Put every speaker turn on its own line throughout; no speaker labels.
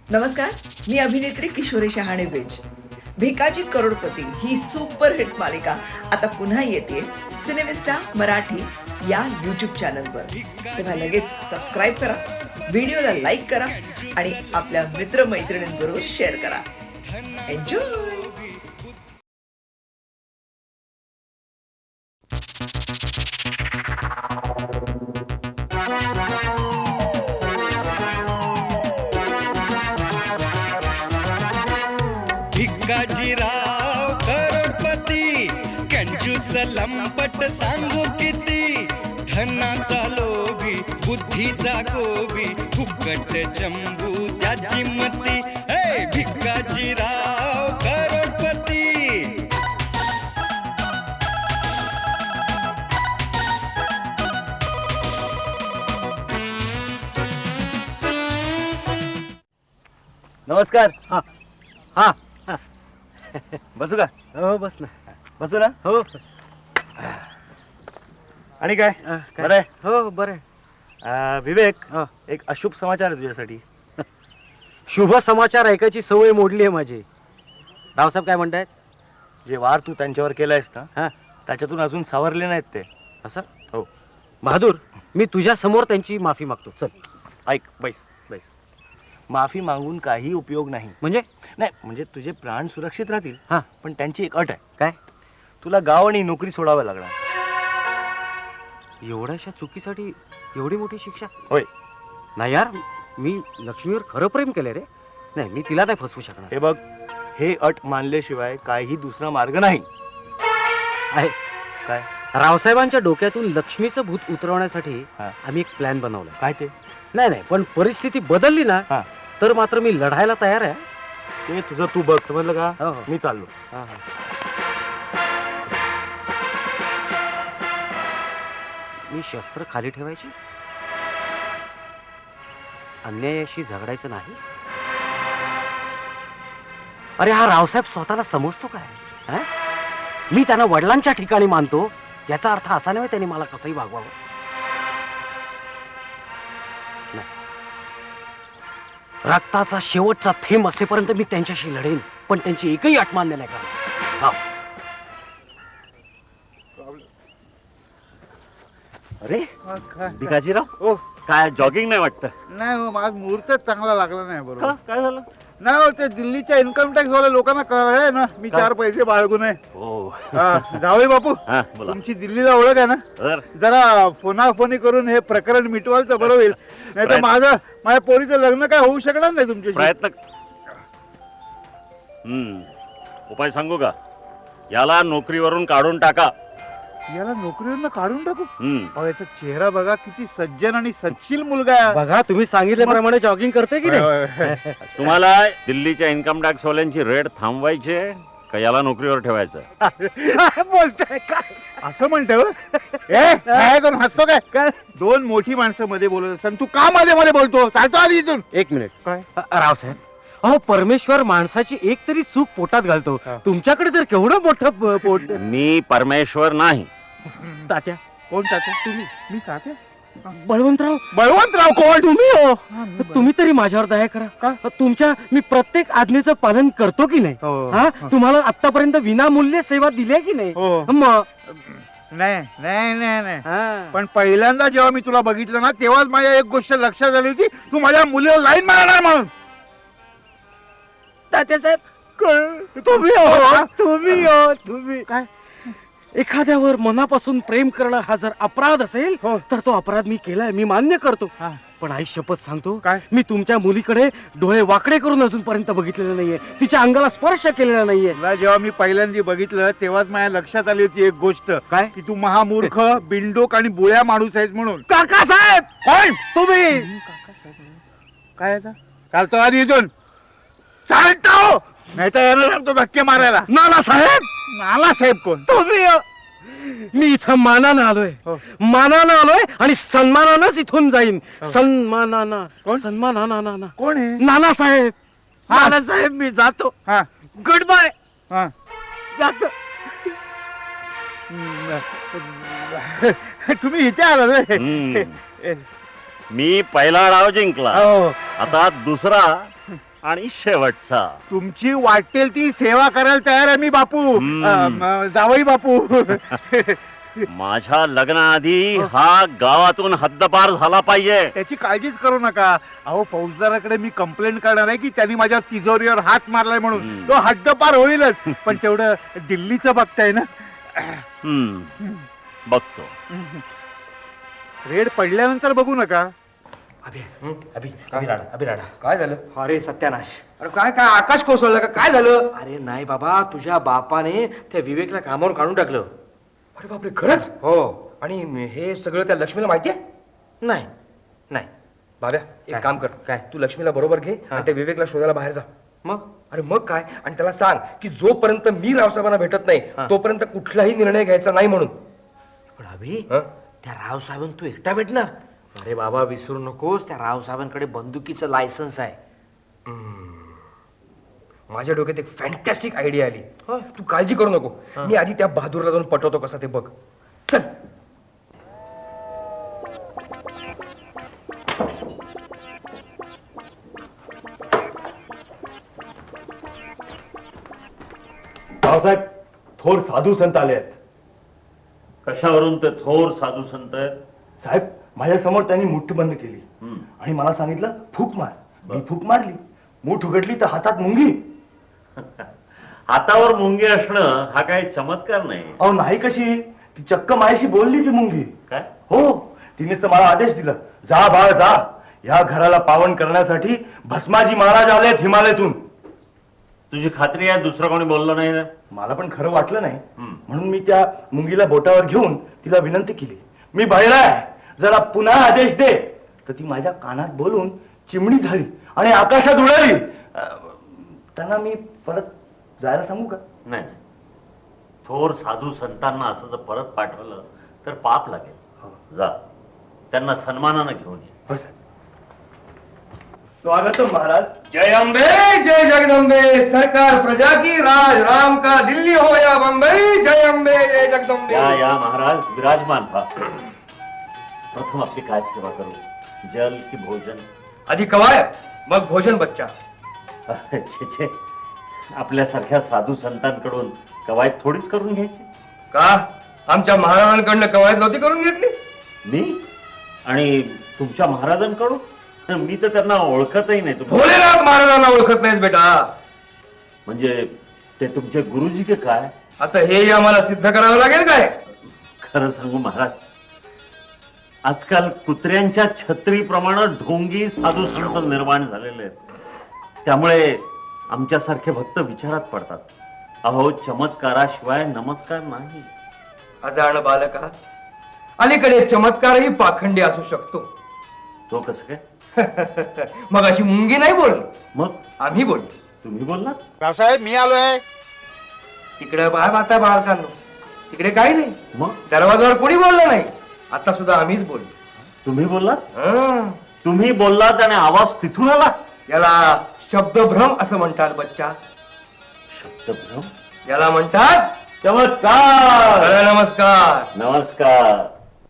नमस्कार, मी अभिनेत्री किशोरी शहाणे बेज. भिकाजी करोडपती ही सुपरहिट मालिका आता पुन्हा येते सिनेमिस्टा मराठी या यूट्यूब चॅनलवर. तेव्हा लगेच सबस्क्राईब करा, व्हिडिओला लाईक करा आणि आपल्या मित्रमैत्रिणींबरोबर शेअर करा. एन्जॉय.
भिकाजीराव करोडपती कंजूस लंपट सांगू किती, धनाचा लोभी बुद्धीचा गोबी, फुकट चंबू त्याची मती. हे भिकाजीराव करोडपती.
नमस्कार.
हा हा
बसू का?
हो बस ना.
बसू ना.
हो
आणि काय
काय?
बरं आहे?
हो बरं
विवेक,
आहे.
एक अशुभ समाचार आहे तुझ्यासाठी.
शुभ समाचार ऐकायची सवय मोडली आहे माझी. रावसाहेब काय म्हणतायत?
जे वार तू त्यांच्यावर केलायस ना,
हा
त्याच्यातून अजून सावरले नाहीत ते.
असं?
हो.
बहादूर, मी तुझ्या समोर त्यांची माफी मागतो. चल.
ऐक, बैस बैस. माफी मागून काही उपयोग नाही.
म्हणजे
नाही, म्हणजे तुझे प्राण सुरक्षित राहतील.
हा
पण त्यांची एक अट आहे.
काय?
तुला गाव आणि नोकरी सोडावं लागणार.
एवढ्याशा चुकीसाठी एवढी मोठी शिक्षा?
होय.
नाही यार, मी लक्ष्मीवर खरं प्रेम केलंय रे. नाही, मी तिला नाही फसवू शकणार.
हे बघ, हे अट मानल्याशिवाय काही दुसरा मार्ग नाही.
आहे
काय?
रावसाहेबांच्या डोक्यातून लक्ष्मीचं भूत उतरवण्यासाठी
हा.
आम्ही एक प्लॅन बनवला.
काय ते?
नाही नाही, पण परिस्थिती बदलली ना,
हा.
तर मात्र मी लढायला तयार आहे.
ते तुझं तू बघ, समजलं का?
हो, हो.
मी चाललो.
हा, हा. मी शस्त्र खाली ठेवायची, अन्यायाशी झगडायचं नाही. अरे हा रावसाहेब स्वतःला समजतो काय? हा? मी त्यांना वडिलांच्या ठिकाणी मानतो, याचा अर्थ असा नाही त्यांनी मला कसंही वागवावं. नाही, रक्ताचा शेवटचा थेंब असेपर्यंत मी त्यांच्याशी लढेन, पण त्यांची एकही अट मान्य नाही करणार. हा.
अरे
काय
भिकाजीराव,
ओ
काय जॉगिंग नाही वाटतं?
नाही हो, आज मुहूर्तच चांगला लागला नाही.
का?
बरोबर
काय झालं?
नाही हो, ते दिल्लीच्या इन्कम टॅक्स वाल्या लोकांना कळलंय ना, मी
काय?
4 पैसे बाळगू नये.
हो.
जावई बापू,
हा, बोला.
तुमची दिल्लीला ओळख आहे ना,
तर
जरा फोनाफोनी करून हे प्रकरण मिटवाल तर बरं होईल. नाही तर माझ्या पोरीचं लग्न काय होऊ शकणार नाही तुमच्याशी.
प्रयत्न. उपाय सांगू का? याला नोकरीवरून काढून टाका.
याला नोकरीवरनं काढून टाकू?
हम्म.
अहो, याचा चेहरा बघा, किती सज्जन आणि सच्शील मुलगा आहे.
बघा, तुम्ही सांगितल्याप्रमाणे जॉगिंग करते की
होय,
नाही?
होय, होय.
तुम्हाला दिल्लीच्या इन्कम टॅक्स वाल्यांची रेड थांबवायची आहे का याला नोकरीवर ठेवायचं?
काय बोलताय काय?
असं म्हणतो काय करून हसतो काय? 2 मोठी माणसं मध्ये बोलत असताना तू का मध्ये मध्ये बोलतो? चालतो आधी इथून.
एक मिनिट.
काय?
रावसाहेब, अहो परमेश्वर माणसाची एक तरी चूक पोटात घालतो.
हा.
तुमच्याकडे तर केवढं मोठं पोट.
मी परमेश्वर नाही.
तात्या,
कोण तात्या? तुम्ही? मी तात्या?
बळवंतराव.
बळवंतराव कोण?
तुम्ही हो.
हा, मी
तुम्ही तरी माझ्यावर दया करा.
का?
तुमच्या मी प्रत्येक आज्ञेचं पालन करतो की नाही?
हो.
हा, तुम्हाला आतापर्यंत विनामूल्य सेवा दिली की नाही?
हो.
मग
नाही नाही नाही नाही.
हा.
पण पहिल्यांदा जेव्हा मी तुला बघितलं ना, तेव्हाच माझ्या एक गोष्ट लक्षात आली होती, तू माझ्या मुलीला लाईन मारणार म्हणून.
तात्यासाहेब, तुम्ही हो, तुम्ही हो, तुम्ही.
काय?
एखाद्यावर मनापासून प्रेम करणं हा जर अपराध असेल,
हो.
तर तो अपराध मी केलाय, मी मान्य करतो.
हा.
पण आई शपथ सांगतो,
काय?
मी तुमच्या मुलीकडे डोळे वाकडे करून अजूनपर्यंत बघितलेलं नाहीये, तिच्या अंगाला स्पर्श केलेला नाहीये.
तुला जेव्हा मी पहिल्यांदा बघितलं तेव्हाच माझ्या लक्षात आली होती एक गोष्ट,
काय?
की तू महामूर्ख, बिंडोक आणि बुळ्या माणूस आहेस म्हणून.
काकासाहेब,
कोण?
तुम्ही.
काय आता? चालतो आधी इथून. चालतो, नाही तर यानं सांगतो धक्के मारायला.
नानासाहेब,
नानासाहेब कोण?
तुम्ही. मी इथं मानानं आलोय,
हो.
मानानं आलोय आणि सन्मानानंच इथून जाईन. सन्मानानं.
कोण?
सन्मानानं.
कोण आहे?
नानासाहेब.
हा.
नानासाहेब, मी जातो.
हा
गुड बाय.
हा.
जातो.
तुम्ही इथे आला रे?
हम्म. मी पहिला डाव जिंकला,
हो.
आता दुसरा आणि शेवटचा.
तुमची वाटेल ती सेवा करायला तयार आहे मी बापू. जावई बापू.
माझ्या लग्नाआधी हा गावातून हद्दपार झाला पाहिजे.
त्याची काळजीच करू नका. अहो फौजदाराकडे मी कंप्लेंट करणार आहे की त्यांनी माझ्या तिजोरीवर हात मारलाय म्हणून. तो हद्दपार होईलच. पण तेवढं दिल्लीचं बघताय ना.
बघतो.
रेड पडल्यानंतर बघू नका.
काय झालं?
अरे सत्यानाश.
अरे काय काय आकाश कोसळलं का? काय झालं?
अरे नाही बाबा, तुझ्या बापाने त्या विवेकला कामावर काढून टाकलं.
अरे बापरे, खरंच?
हो.
आणि हे सगळं त्या लक्ष्मीला माहिती आहे?
नाही नाही.
बाब्या, एक
काय?
काम कर.
काय?
तू लक्ष्मीला बरोबर घे
हा.
आणि त्या विवेकला शोधायला बाहेर जा.
मग
अरे मग काय, आणि त्याला सांग की जोपर्यंत मी रावसाहेबांना भेटत नाही
हा.
तोपर्यंत कुठलाही निर्णय घ्यायचा नाही म्हणून.
पण अभि,
हं?
त्या रावसाहेबां तू एकटा भेटणार? अरे बाबा विसरू नकोस, त्या रावसाहेबांकडे बंदुकीचं लायसन्स आहे.
माझ्या डोक्यात एक फॅन्टॅस्टिक आयडिया आली.
होय.
तू काळजी करू नको. मी आधी त्या बहादूरला जाऊन पटवतो कसा ते बघ. चल.
रावसाहेब, थोर साधू संत आले आहेत.
कशावरून ते थोर साधू संत आहेत?
साहेब, माझ्या समोर त्यांनी मुठ बंद केली आणि मला सांगितलं फूक मार. मी फूक मारली. मूठ उघडली तर हातात मुंगी.
हातावर मुंगी असणं हा काही चमत्कार नाही.
अहो नाही कशी, ती चक्क माझ्याशी बोलली ती मुंगी.
काय?
हो, तिनेच तर मला आदेश दिला, जा बाळ जा, या घराला पावन करण्यासाठी भस्माजी महाराज आलेत हिमालयातून.
तुझी खात्री आहे दुसरं कोणी बोललं नाही ना?
मला पण खरं वाटलं नाही, म्हणून मी त्या मुंगीला बोटावर घेऊन तिला विनंती केली, मी बहिरा आहे, जरा पुन्हा आदेश दे. तर ती माझ्या कानात बोलून चिमणी झाली आणि आकाशात उडाली. त्यांना मी परत जायला सांगू का?
नाही नाही. थोर साधू संतांना असं जर परत पाठवलं तर पाप लागेल. जा, त्यांना सन्मानानं घेऊन ये.
हो साहेब. स्वागतम महाराज.
जय अंबे, जय जगदंबे, सरकार प्रजा की, राज राम का, दिल्ली हो या बंबई. जय अंबे, जय जगदंबे.
या या महाराज, विराजमान व्हा. प्रथम आपली काय सेवा करू? जल की भोजन?
आधी कवायत, मग भोजन बच्चा.
छे छे, आपल्यासारख्या साधू संतांकडून कवायत थोडीच करून घ्यायची.
का आमच्या महाराजांकडनं कवायत नव्हती करून घेतली?
मी आणि तुमच्या महाराजांकडून? मी तर त्यांना ओळखतही नाही.
भोलेनाथ महाराजांना ओळखत नाहीस बेटा?
म्हणजे ते तुमचे गुरुजी के काय?
आता हे आम्हाला सिद्ध करावं लागेल काय?
खरं सांगू महाराज, आजकाल कुत्र्यांच्या छत्रीप्रमाणे ढोंगी साधू संत निर्माण झालेले आहेत. त्यामुळे आमच्यासारखे भक्त विचारात पडतात. अहो, चमत्काराशिवाय नमस्कार नाही.
अजाण बालका, अलीकडे चमत्कारही पाखंडी असू शकतो.
तो कसं काय?
मग अशी मुंगी नाही बोलली,
मग
आम्ही बोललो.
तुम्ही बोललात?
रावसाहेब, मी आलोय.
तिकडे बाय बाता बालकांनो, तिकडे काही नाही.
मग
दरवाजावर कोणी बोललं नाही. आता सुद्धा आम्हीच बोललो.
तुम्ही बोललात?
हं.
तुम्ही बोललात आणि आवाज तिथून आला?
याला शब्दभ्रम असं म्हणतात बच्चा.
शब्दभ्रम?
याला म्हणतात
चमत्कार.
नमस्कार.
नमस्कार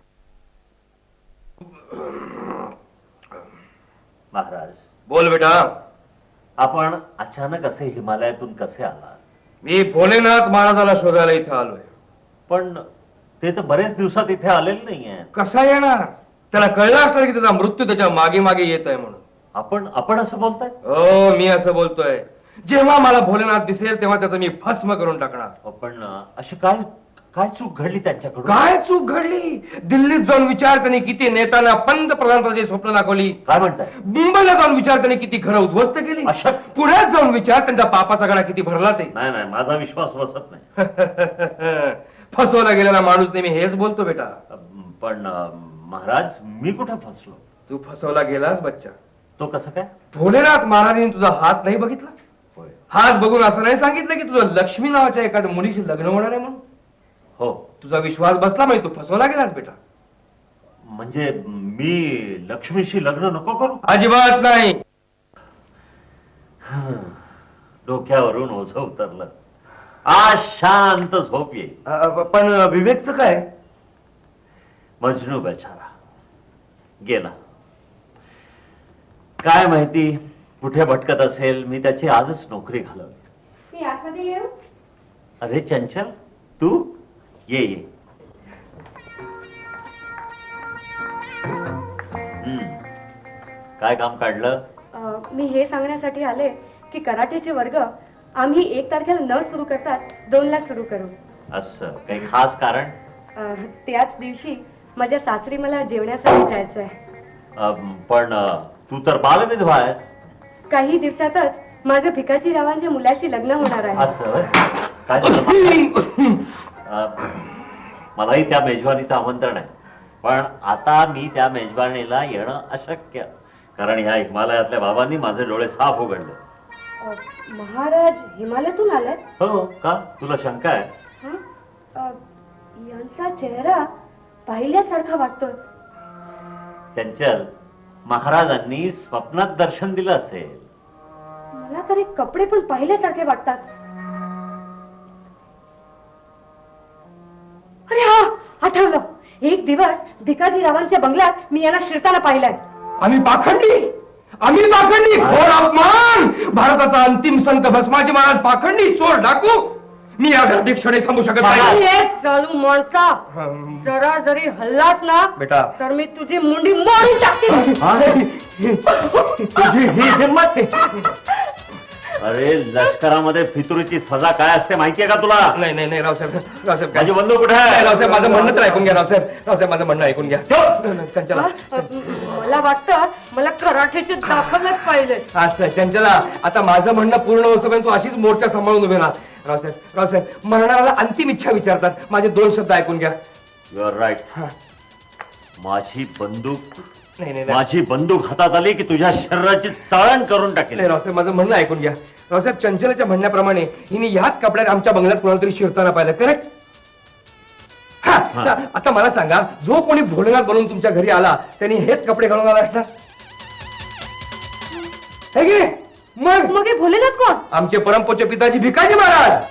महाराज.
बोल बेटा.
आपण अचानक असे हिमालयातून कसे आलात?
मी भोलेनाथ महाराजाला शोधायला इथे आलोय.
पण ते तर बरेच दिवसात इथे आलेले नाहीये.
कसा येणार? त्याला कळलं असणार की त्याचा मृत्यू त्याच्या मागे मागे येत आहे म्हणून.
आपण असं बोलताय?
हो, मी असं बोलतोय. जेव्हा मला भोलेनाथ दिसेल तेव्हा त्याचं मी भस्म करून टाकणार.
पण अशी काय चूक घडली त्यांच्याकडून?
काय चूक घडली? दिल्लीत जाऊन विचार त्यांनी किती नेत्यांना पंतप्रधान पदाची स्वप्न दाखवली.
काय म्हणताय?
मुंबईला जाऊन विचार त्यांनी किती घरं उद्ध्वस्त केली.
अशक्य.
पुण्यात जाऊन विचार त्यांचा पापाचा गडा किती भरला ते.
नाही नाही, माझा विश्वास बसत नाही.
फसवला गेलेला माणूस नेहमी हेच बोलतो बेटा.
पण महाराज, मी कुठे फसलो?
तू फसवला गेलास बच्चा.
तो कसं काय?
भोलेनाथ महाराजांनी तुझा हात नाही बघितला.
होय.
हात बघून असं नाही सांगितलं की तुझं लक्ष्मी नावाच्या एखाद्या मुलीशी लग्न होणार आहे म्हणून.
हो.
तुझा विश्वास बसला म्हणजे तू फसवला गेलास बेटा.
म्हणजे मी लक्ष्मीशी लग्न नको करू?
अजिबात नाही.
डोक्यावरून ओझं उतरलं. आज शांत झोप येईल.
पण विवेकचं काय?
मजनू बेचारा गेला. काय माहिती कुठे भटकत असेल मी त्याची आजच नोकरी घालवली.
मी आतमध्ये येऊ?
अरे चंचल, तू ये ये. काय काम काढलं?
मी हे सांगण्यासाठी आले की कराटेचे वर्ग आम्ही 1 तारखेला न सुरू करतात 2 ला सुरू करू.
असं काही खास कारण?
त्याच दिवशी माझ्या सासरी मला जेवण्यासाठी जायचं आहे.
पण तू तर बालविधवा आहेस. काही
काही दिवसातच माझ्या भिकाजी रावांच्या मुलाशी लग्न होणार आहे.
असं होय? काय झालं? मलाही त्या मेजवानीचं आमंत्रण आहे, पण आता मी त्या मेजवानीला येणं अशक्य, कारण ह्या हिमालयातल्या बाबांनी माझे डोळे साफ उघडले.
महाराज हिमालयातून आलाय?
हो का? तुला शंका आहे?
हं? यांचा चेहरा पाहिल्यासारखा वाटतोय.
चंचल, महाराजांनी स्वप्नात दर्शन दिलं असेल.
मला तर हे कपडे पण पाहिल्यासारखे वाटतात. अरे हा, आठवलं. एक दिवस भिकाजी रावांच्या बंगल्यात मी यांना शिरताना पाहिलंय.
आम्ही पाखंडी घोर अपमान. भारताचा अंतिम संत भस्माजी महाराज पाखंडी, चोर, डाकू. मी या घरात एक क्षणी थांबू शकत नाही.
अरे चालू माणसा, जरा जरी हल्लास ना
बेटा.
तर मी तुझी मुंडी मोडून टाकते.
तुझी ही हिंमत.
अरे लष्करामध्ये फितुरीची सजा काय असते माहितीये का तुला?
नाही नाही नाही रावसाहेब
माझी बंदूक कुठे आहे?
रावसाहेब माझं म्हणणं तर ऐकून घ्या. रावसाहेब माझं म्हणणं ऐकून घ्या. चंचला
मला वाटतं मला कराठेचे दाखवलंच पाहिजे.
असं चंचला, आता माझं म्हणणं पूर्ण होतोपर्यंत तू अशीच मोर्चा सांभाळून उभे राहा. रावसाहेब मरणाऱ्याला अंतिम इच्छा विचारतात. माझे 2 शब्द ऐकून घ्या.
You are right. माझी बंदूक
नाही
माझी बंदूक हातात आली की तुझ्या शरीराची चाळण करून टाकेल.
नाही रावसाहेब माझं म्हणणं ऐकून घ्या. रावसाहेब चंचलाच्या म्हणण्याप्रमाणे हिने ह्याच कपड्यात आमच्या बंगल्यात कोणाला तरी शिरताना पाहिलं, करेक्ट? आता मला सांगा, जो कोणी भोलेनाथ बनून तुमच्या घरी आला त्यांनी हेच कपडे घालून आला असणार? है की नाही? मग
हे भोलेनाथ कोण?
आमचे परमपूज्य पिताजी भिकाजी महाराज.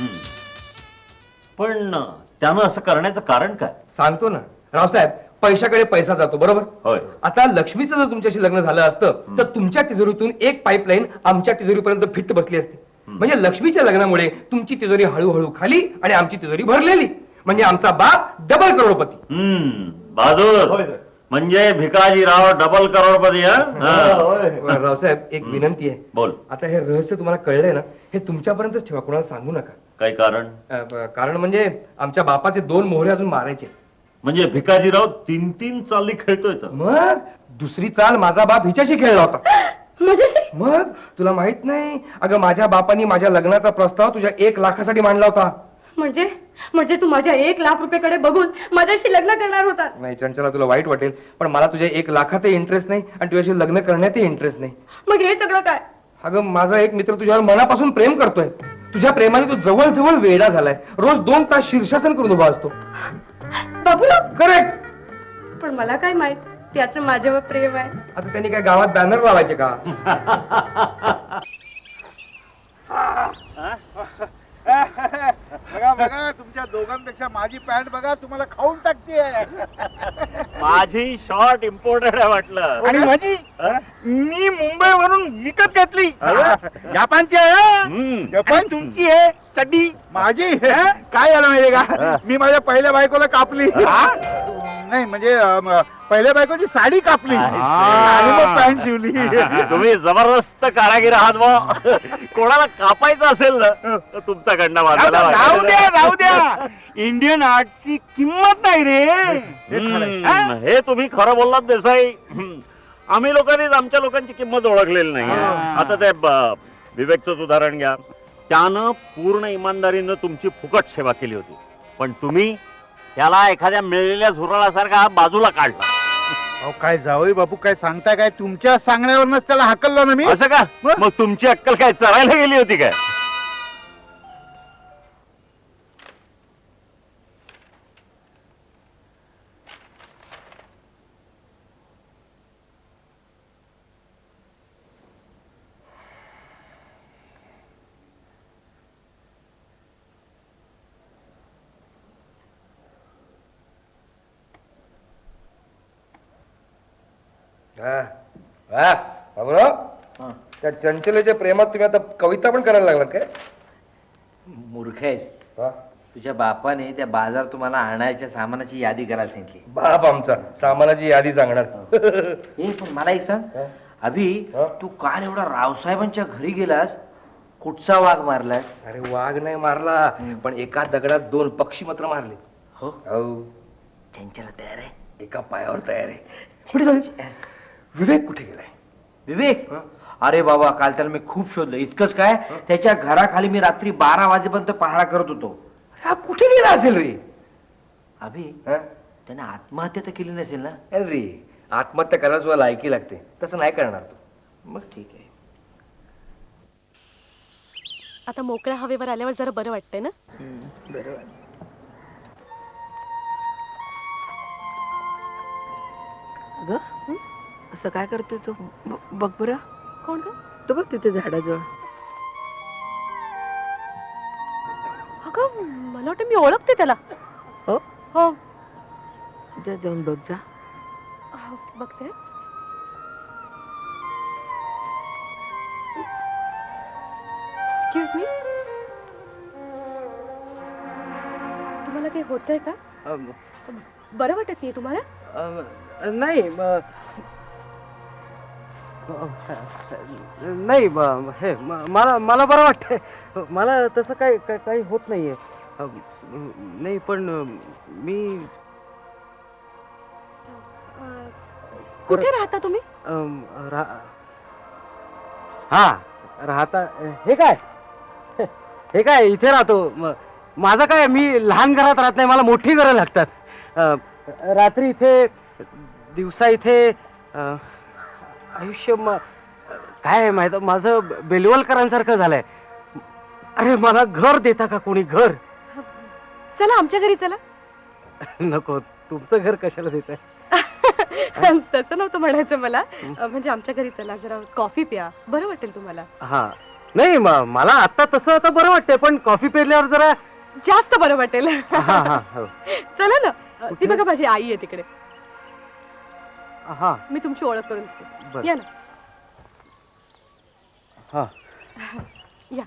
पण त्यानं असं करण्याचं कारण काय?
सांगतो ना रावसाहेब, पैशाकडे पैसा जातो, बरोबर?
होय.
आता लक्ष्मीचं जर तुमच्याशी लग्न झालं असतं तर तुमच्या तिजोरीतून एक पाईपलाईन आमच्या तिजोरीपर्यंत फिट बसली असती. म्हणजे लक्ष्मीच्या लग्नामुळे तुमची तिजोरी हळूहळू खाली आणि आमची तिजोरी भरलेली. म्हणजे आमचा बाप डबल करोडपती.
बहादूर, म्हणजे भिकाजीराव डबल करोडपती.
रावसाहेब एक विनंती आहे.
बोल.
आता हे रहस्य तुम्हाला कळलंय ना, हे तुमच्यापर्यंतच ठेवा, कोणाला सांगू नका.
काय कारण?
कारण म्हणजे आमच्या बापाचे 2 मोहरे अजून मारायचे.
म्हणजे भिकाजीराव 3 चाली खेळतोय तर?
मग दुसरी चाल माझा बाप हिच्याशी खेळला होता.
माझ्याशी?
मग तुला माहित नाही? अगं माझ्या बापानी माझ्या लग्नाचा प्रस्ताव तुझ्या 1 लाखासाठी मांडला होता.
म्हणजे तू माझ्या 1 लाख रुपयाकडे बघून माझ्याशी लग्न करणार होता?
नाही चंचला, तुला वाईट वाटेल, पण मला तुझ्या 1 लाखातही इंटरेस्ट नाही आणि तुझ्याशी लग्न करण्यातही इंटरेस्ट नाही.
मग हे सगळं काय?
अगं माझा एक मित्र तुझ्यावर मनापासून प्रेम करतोय. तुझ्या प्रेमाने तो जवळ जवळ वेडा झालाय. रोज 2 तास शीर्षासन करून उभा असतो.
बाबूराव?
करेक्ट.
पण मला काय माहित त्याचं माझ्यावर प्रेम आहे.
आता त्यांनी काय गावात बॅनर लावायचे का? बघा तुमच्या दोघांपेक्षा माझी पॅन्ट बघा, तुम्हाला खाऊन टाकते.
माझी शॉर्ट इम्पोर्टेड आहे वाटलं.
आणि माझी मी मुंबईवरून विकत घेतली. जपानची आहे. जपान तुमची आहे चड्डी, माझी काय झालं माहितीये का, मी माझ्या पहिल्या बायकोला कापली. नाही म्हणजे पहिल्या बायकोची साडी कापली आणि मग पॅन्ट शिवली.
तुम्ही जबरदस्त कारागीर आहात बुवा. कोणाला कापायचं असेल ना तर तुमच्याकडनं
राहू द्या. इंडियन आर्टची किंमत नाही रे.
हे तुम्ही खरं बोललात देसाई. आम्ही लोकांनीच आमच्या लोकांची किंमत ओळखलेली नाही. आता ते विवेकचं उदाहरण घ्या. त्यानं पूर्ण इमानदारीनं तुमची फुकट सेवा केली होती, पण तुम्ही त्याला एखाद्या मिळलेल्या झुरळासारखा बाजूला काढला.
अहो काय जावई बापू, काय सांगताय? काय तुमच्या सांगण्यावरच त्याला हाकललो ना मी.
असं का? मग तुमची अक्कल काय चरायला गेली होती काय?
त्या चंचलेच्या प्रेमात तुम्ही आता कविता पण करायला लागलात काय?
मूर्ख आहेस.
हा?
तुझ्या बापाने त्या बाजार तुम्हाला आणायच्या सामानाची यादी करायला सांगितली.
बाप आमचा सामानाची यादी सांगणार.
हे पण मला एक सांग अभि, तू काल एवढा रावसाहेबांच्या घरी गेलास, कुठचा वाघ मारलास?
अरे वाघ नाही मारला, पण एका दगडात 2 पक्षी मात्र मारले.
हो,
हो,
चंचला तयार आहे.
एका पायावर तयार आहे. कुठे जाईल? विवेक कुठे गेलाय?
विवेक, अरे बाबा काल त्याला मी खूप शोधलं. इतकंच काय, त्याच्या घराखाली मी रात्री 12 वाजेपर्यंत पहारा करत होतो.
हा कुठे गेला असेल रे?
अभि,
हा?
त्याने आत्महत्या तर केली नसेल ना?
अरे रे, आत्महत्या करायला सुद्धा लायकी लागते, तसं नाही करणार तू.
मग ठीक आहे.
आता मोकळ्या हवेवर आल्यावर जरा बरं वाटतंय ना?
असं काय करतोय तू? बघ बरं.
कोण ग?
तो बघ तिथे झाडाजवळ.
अगं मला वाटतं मी ओळखते त्याला.
हो,
हो,
जा जाऊन बघ जा.
बघते. एक्सक्यूज मी, तुम्हाला काही होतंय का? बरं वाटत नाही तुम्हाला?
नाही नाही हे मला मला बरं वाटतंय. मला तसं काही होत नाहीये. नाही पण मी
कुठे राहता तुम्ही?
हा राहता. हे काय इथे राहतो. माझं काय, मी लहान घरात राहत नाही, मला मोठी घरं लागतात. रात्री इथे, दिवसा इथे. आयुष्य काय आहे माहित, माझं बेलवलकरांसारखं झालंय. अरे मला घर देता का कोणी? घर
चला आमच्या घरी चला.
नको, तुमचं घर कशाला देत आहे?
तसं नव्हतं म्हणायचं मला. म्हणजे आमच्या घरी चला, जरा कॉफी प्या, बरं वाटेल तुम्हाला.
हा नाही, मला आता तसं आता बरं वाटतंय, पण कॉफी पेरल्यावर जरा
जास्त बरं वाटेल.
हा हा हो.
चला ना. ती बघा माझी आई आहे तिकडे.
हा
मी तुमची ओळख करून देते.
बरं.
या ना.
हा
या.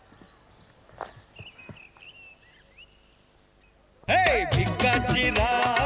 हे भिकाची राह